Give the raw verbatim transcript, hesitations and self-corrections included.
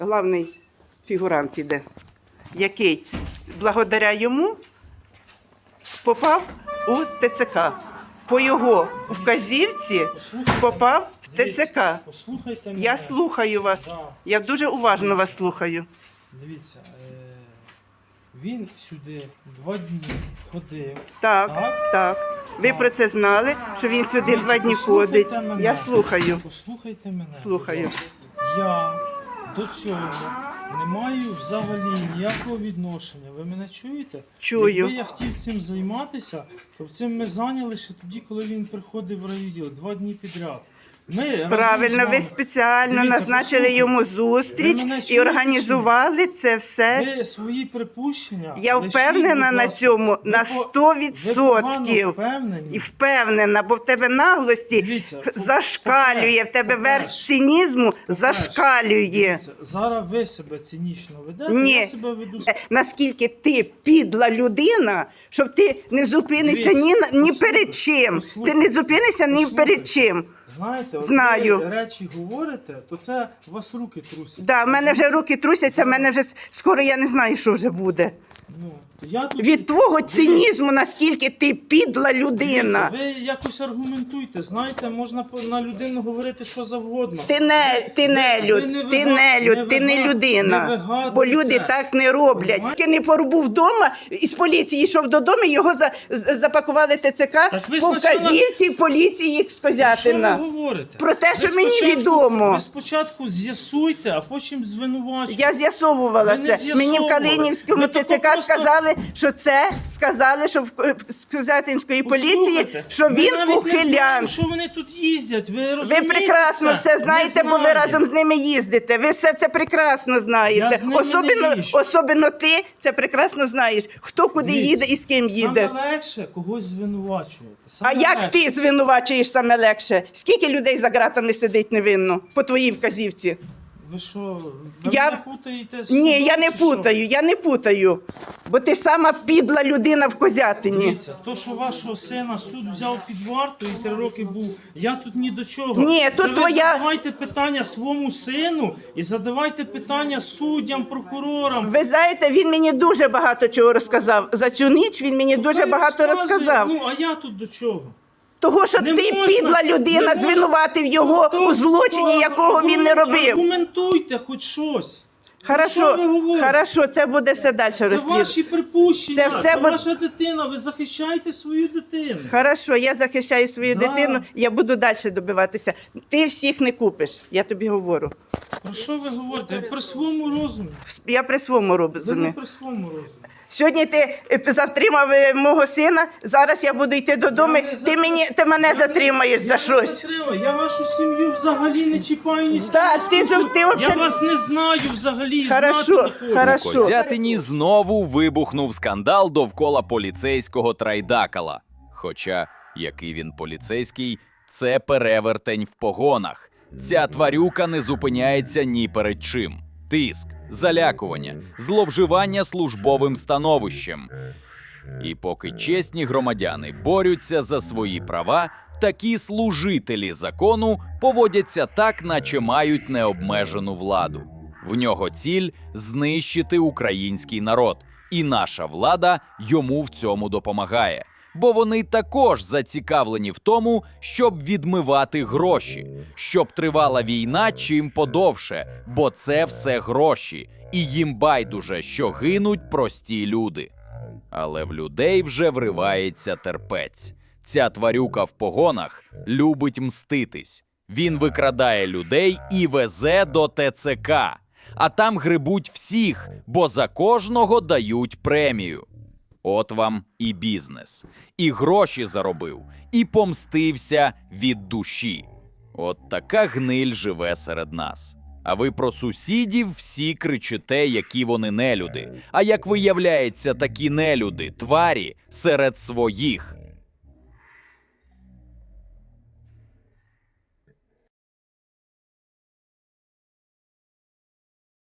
главний фігурант іде, який благодаря йому попав у ТЦК. По його вказівці попав в ТЦК. Послухайте мене. Я слухаю вас. Да. Я дуже уважно вас слухаю. Дивіться, е, він сюди два дні ходив. Так, Так? так. Ви Так. про це знали, що він сюди Дивіться, два дні послухайте ходить. мене. Я слухаю. Послухайте мене. Слухаю. Я до цього не маю взагалі ніякого відношення. Ви мене чуєте? Чую. Якби я хотів цим займатися, то цим ми зайняли ще тоді, коли він приходив в райвідділ, два дні підряд. Ми разом з Правильно, ви вами- спеціально Дивіться, назначили послухайте. йому зустріч Ви мене і чуєте організували це все. Ви свої припущення. Я лишіть, впевнена будь на ласка. цьому Ви на по- сто Ви відсотків. погано впевнені. І впевнена, бо в тебе наглості Дивіться, по- зашкалює, в тебе по-перше, верх цинізму по-перше, зашкалює. Дивіться, зараз ви себе цинічно ведете, Ні. я себе веду. Е, Наскільки ти підла людина, щоб ти не зупинишся Дивіться, ні, на- ні послухайте, перед чим. Ти послухайте, не зупинишся ні послухайте. перед чим. Знаєте, от Знаю. ви речі говорите, то це у вас руки трусять. Да, в мене вже руки трусяться, в мене вже с- скоро я не знаю, що вже буде. Ну, то я тут... Від твого Дивіться, цинізму, наскільки ти підла людина. Ви якось аргументуйте, знаєте, можна по- на людину говорити що завгодно. Ти не, ти не ви люд, не ти вига- не люд, не ти не вига- людина. не вигадуйте. Бо люди так не роблять. Понимаєте? Тільки не порубув вдома, із поліції йшов додому, його за, з- запакували ТЦК Так ви по спочатку- вказівці поліції Що ви Скозятина. говорите? Про те, Ви що мені спочатку- відомо. Ви спочатку з'ясуйте, а потім звинувачуйте. Я з'ясовувала Ви не це. Мені в з'ясовували. Калинівському Ви тако ТЦК просто- сказали, що це, сказали, що в е, з Козятинської поліції, Послухайте, що ми він навіть не знаємо, ухилян. що вони тут їздять. Ви Ви розумієте прекрасно це? все Не знаєте, бо ви знаєте. разом з ними їздите. Ви все це прекрасно знаєте. Я з ними не Особливо, їжджу. особливо ти це прекрасно знаєш. Хто куди Дивіться, їде і з ким їде. Саме легше когось звинувачувати. А Саме як легше. ти звинувачуєш саме легше? Скільки людей за ґратами сидить невинно по твоїй вказівці? Ви що, ви Я- мене путаєте з Ні, судом, я не чи що? путаю, я не путаю. Бо ти сама підла людина в Козятині. Дивіться, то, що вашого сина суд взяв під варту і три роки був, я тут ні до чого. Ні, Це тут ви твоя- задавайте питання своєму сину і задавайте питання суддям, прокурорам. Ви знаєте, він мені дуже багато чого розказав. За цю ніч він мені дуже Хай багато розказує. розказав. Ну, а я тут до чого? Того, що Не ти можна- підла людина, не можна- звинуватив його То- у злочині, то- якого він не робив. Аргументуйте хоч щось. Що Хорошо, ви говорите? хорошо, це буде все далі Це розслідувати. ваші припущення, Це це, все бу- ваша дитина, ви захищаєте свою дитину. Хорошо, я захищаю свою Да. дитину, я буду далі добиватися. Ти всіх не купиш, я тобі говорю. Про що ви говорите? Ви при своєму розумі. Я при своєму Ви не розумі. при своєму розумі. Сьогодні ти е, затримав е, мого сина, зараз я буду йти додому, Я не ти, затримав. мені, ти мене Я не- затримаєш я за не щось. затримав. Я вашу сім'ю взагалі не чіпаю ні з ким Так, не ти спілкуюсь. зов- ти вообще- Я вас не знаю взагалі, і Хорошо, знати не хочу. хорошо. У Козятині знову вибухнув скандал довкола поліцейського Трайдакала. Хоча, який він поліцейський, це перевертень в погонах. Ця тварюка не зупиняється ні перед чим. Тиск, залякування, зловживання службовим становищем. І поки чесні громадяни борються за свої права, такі служителі закону поводяться так, наче мають необмежену владу. В нього ціль – знищити український народ, і наша влада йому в цьому допомагає. Бо вони також зацікавлені в тому, щоб відмивати гроші, щоб тривала війна чим подовше, бо це все гроші, і їм байдуже, що гинуть прості люди. Але в людей вже вривається терпець. Ця тварюка в погонах любить мститись. Він викрадає людей і везе до ТЦК. А там грибуть всіх, бо за кожного дають премію. От вам і бізнес. І гроші заробив, і помстився від душі. От така гниль живе серед нас. А ви про сусідів всі кричите, які вони нелюди. А як виявляється, такі нелюди, тварі, серед своїх.